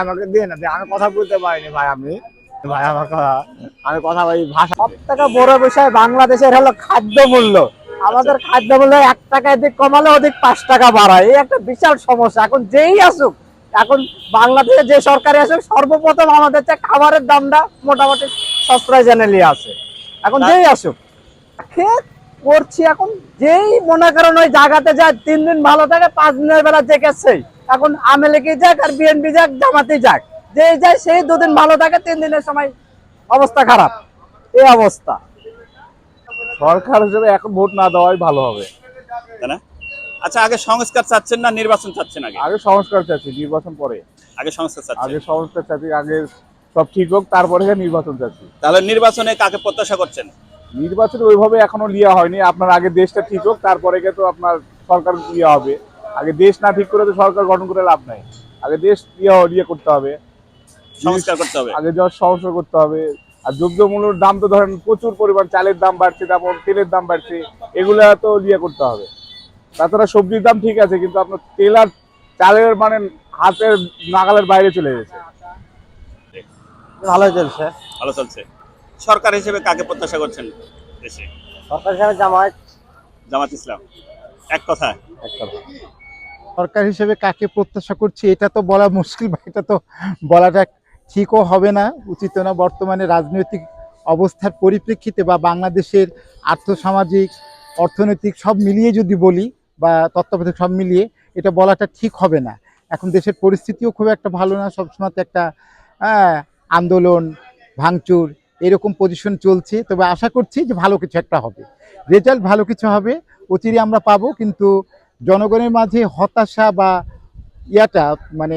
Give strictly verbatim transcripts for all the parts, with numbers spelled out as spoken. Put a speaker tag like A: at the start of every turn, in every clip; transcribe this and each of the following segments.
A: আমাকে দিয়ে না আমি কথা বলতে পারিনি ভাই। আমি ভাই আমার কথা আমি কথা বলি ভাষা।
B: সব থেকে বড় বিষয় বাংলাদেশের হলো খাদ্য মূল্য। আমাদের খাদ্য মূল্য এক টাকা এদিক কমালে ওদিক পাঁচ টাকা বাড়ায়, এই একটা বিশাল সমস্যা। এখন যেই আসুক, এখন বাংলাদেশে যে সরকারি আসুক, সর্বপ্রথম আমাদের যে খাবারের দামটা মোটামুটি সস্তায় জেনে আছে। এখন যেই আসুক খেয়ে করছি। এখন যেই মনে করেন ওই জায়গাতে যায় তিন দিন ভালো থাকে, পাঁচ দিনের বেলা জেগেছেই। এখন আওয়ামী লীগই যাক আর বিএনপি যাক জামাতেই যাক, যেই যায় সেই দুদিন ভালো থাকে, তিন দিনের সময় অবস্থা খারাপ। এই অবস্থা।
A: সরকার হিসেবে এখন ভোট না দেওয়াই ভালো হবে,
C: তাই না? আচ্ছা, আগে সংস্কার চাচ্ছেন না নির্বাচন চাচ্ছেন? আগে
A: আগে সংস্কার চাচ্ছি, নির্বাচন পরে।
C: আগে সংস্কার চাচ্ছেন?
A: আগে সংস্কার চাচ্ছি, আগে সব ঠিক হোক তারপরে নির্বাচন চাচ্ছি।
C: তাহলে নির্বাচনে কাকে প্রত্যাশা করছেন?
A: নির্বাচন ওইভাবে এখনো লিয়া হয়নি। আপনার আগে দেশটা ঠিক হোক তারপরে তো আপনার সরকার ইয়ে হবে। আগে দেশ না ঠিক করে তো সরকার গঠন করে লাভ নাই। আগে দেশ ইয়ে ইয়ে করতে হবে,
C: সংস্কার করতে হবে।
A: আগে যা সংস্কার করতে হবে। আর দ্রব্যমূল্যের দাম তো ধরেন প্রচুর পরিমাণ, চালের দাম বাড়ছে, তারপর তেলের দাম বাড়ছে, এগুলা তো ইয়ে করতে হবে। তাছাড়া সবজির দাম ঠিক আছে, কিন্তু আপনার তেল আর চালের মানে হাতের নাগালের বাইরে চলে গেছে।
B: ভালোই চলছে।
C: ভালো চলছে। সরকার হিসেবে কাকে প্রত্যাশা করছেন দেশে?
B: সরকার হিসাবে জামায়াত।
C: জামাত ইসলাম। এক কথা।
D: সরকার হিসেবে কাকে প্রত্যাশা করছি এটা তো বলা মুশকিল বা এটা তো বলাটা ঠিকও হবে না, উচিত না। বর্তমানে রাজনৈতিক অবস্থার পরিপ্রেক্ষিতে বা বাংলাদেশের আর্থসামাজিক অর্থনৈতিক সব মিলিয়ে যদি বলি, বা তত্ত্বাবধায়ক সব মিলিয়ে এটা বলাটা ঠিক হবে না। এখন দেশের পরিস্থিতিও খুব একটা ভালো না, সবসময় একটা হ্যাঁ আন্দোলন ভাঙচুর এরকম পজিশন চলছে। তবে আশা করছি যে ভালো কিছু একটা হবে, রেজাল্ট ভালো কিছু হবে, অচিরে আমরা পাবো। কিন্তু জনগণের মাঝে হতাশা বা ইয়াটা মানে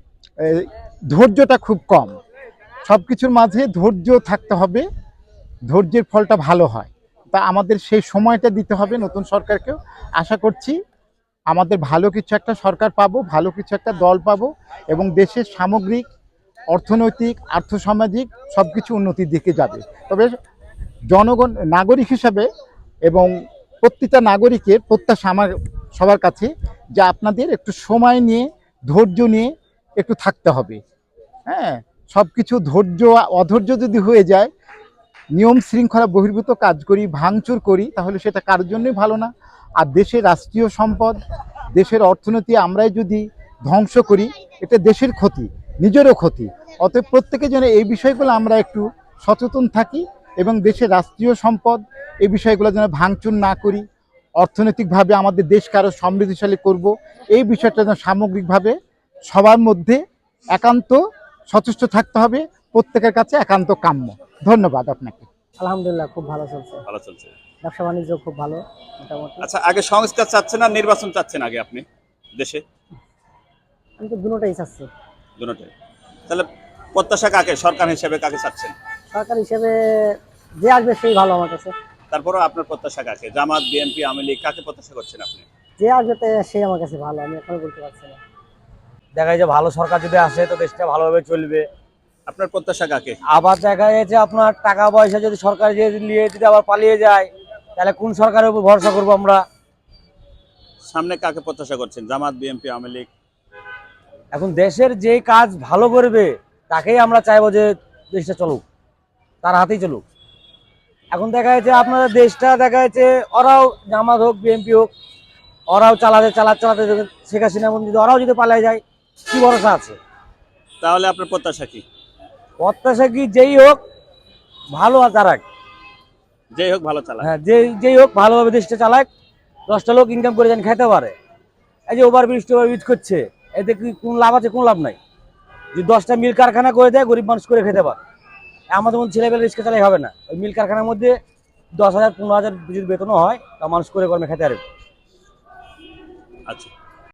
D: ধৈর্যটা খুব কম। সব কিছুর মাঝে ধৈর্য থাকতে হবে, ধৈর্যের ফলটা ভালো হয়। তা আমাদের সেই সময়টা দিতে হবে নতুন সরকারকেও। আশা করছি আমাদের ভালো কিছু একটা সরকার পাবো, ভালো কিছু একটা দল পাবো, এবং দেশের সামগ্রিক অর্থনৈতিক আর্থসামাজিক সব কিছু উন্নতির দিকে যাবে। তবে জনগণ নাগরিক হিসাবে এবং প্রত্যেকটা নাগরিকের প্রত্যাশা আমার সবার কাছে যে আপনাদের একটু সময় নিয়ে ধৈর্য নিয়ে একটু থাকতে হবে। হ্যাঁ, সব কিছু ধৈর্য অধৈর্য যদি হয়ে যায়, নিয়ম শৃঙ্খলা বহির্ভূত কাজ করি, ভাঙচুর করি, তাহলে সেটা কারোর জন্যই ভালো না। আর দেশের রাষ্ট্রীয় সম্পদ, দেশের অর্থনীতি আমরাই যদি ধ্বংস করি, এটা দেশের ক্ষতি, নিজেরও ক্ষতি। অতএব প্রত্যেকে যেন এই বিষয়গুলো আমরা একটু সচেতন থাকি এবং দেশের রাষ্ট্রীয় সম্পদ এই বিষয়গুলো যেন ভাঙচুর না করি, অর্থনৈতিকভাবে আমাদের দেশকে আরও সমৃদ্ধশালী করব, এই বিষয়টা যেন সামগ্রিকভাবে সবার মধ্যে একান্ত সচেষ্ট থাকতে হবে, প্রত্যেকের কাছে একান্ত কাম্য। ধন্যবাদ আপনাকে।
B: আলহামদুলিল্লাহ খুব ভালো চলছে,
C: ভালো চলছে।
B: ব্যবসা বাণিজ্য খুব ভালো মোটামুটি।
C: আচ্ছা, আগে সংস্কার চাচ্ছেন না নির্বাচন চাচ্ছেন আগে আপনি দেশে?
B: আমি তো দুটোটাই চাচ্ছি।
C: দুটোটাই। তাহলে প্রত্যাশা কাকে সরকার হিসেবে কাকে চাচ্ছেন?
B: সরকার হিসেবে যে আসবে সেই ভালো আমার কাছে।
C: তারপরেও আপনার প্রত্যাশা কাকে? জামাত, বিএনপি, আওয়ামী লীগ, কাকে প্রত্যাশা করছেন আপনি?
B: যে আসবে সেই আমার কাছে ভালো, আমি এখনো বলতে পারছি না।
E: দেখা যায় ভালো সরকার যদি আসে তো দেশটা ভালোভাবে চলবে।
C: আপনার প্রত্যাশা কাকে?
E: আবার দেখা যাচ্ছে আপনার টাকা পয়সা যদি সরকার যদি নিয়ে যদি আবার পালিয়ে যায়, তাহলে কোন সরকারের উপর ভরসা করবো আমরা?
C: সামনে কাকে প্রত্যাশা করছেন? Jamaat, BNP, Awami League?
E: এখন দেশের যে কাজ ভালো করবে তাকেই আমরা চাইবো যে দেশটা চলুক, তার হাতেই চলুক। এখন দেখা যাচ্ছে আপনাদের দেশটা দেখা যাচ্ছে ওরাও জামাত হোক বিএনপি হোক, ওরাও চালাতে চালাতে চালাতে শেখ হাসিনা যদি ওরাও যদি পালিয়ে যায়, কি ভরসা আছে?
C: তাহলে আপনার প্রত্যাশা কি?
E: প্রত্যাশা কি যেই হোক ভালো চালাক,
C: যেই হোক ভালো চালাক।
E: হ্যাঁ, যে যেই হোক ভালোভাবে দেশটা চালাক, দশটা লোক ইনকাম করে যেন খেতে পারে। এই যে ওভার ব্রিজ টোভার ব্রিজ করছে, এতে কি কোন লাভ আছে? কোন লাভ নাই। যদি দশটা মিল কারখানা করে দেয়, গরিব মানুষ করে খেতে পারে। আমাদের মধ্যে ছেলেবেলা রিক্সা চালাই হবে না। ওই মিল কারখানার মধ্যে দশ হাজার পনেরো হাজার যদি বেতনও হয়, তা মানুষ করে কর্মে খেতে পারবে।
C: আচ্ছা।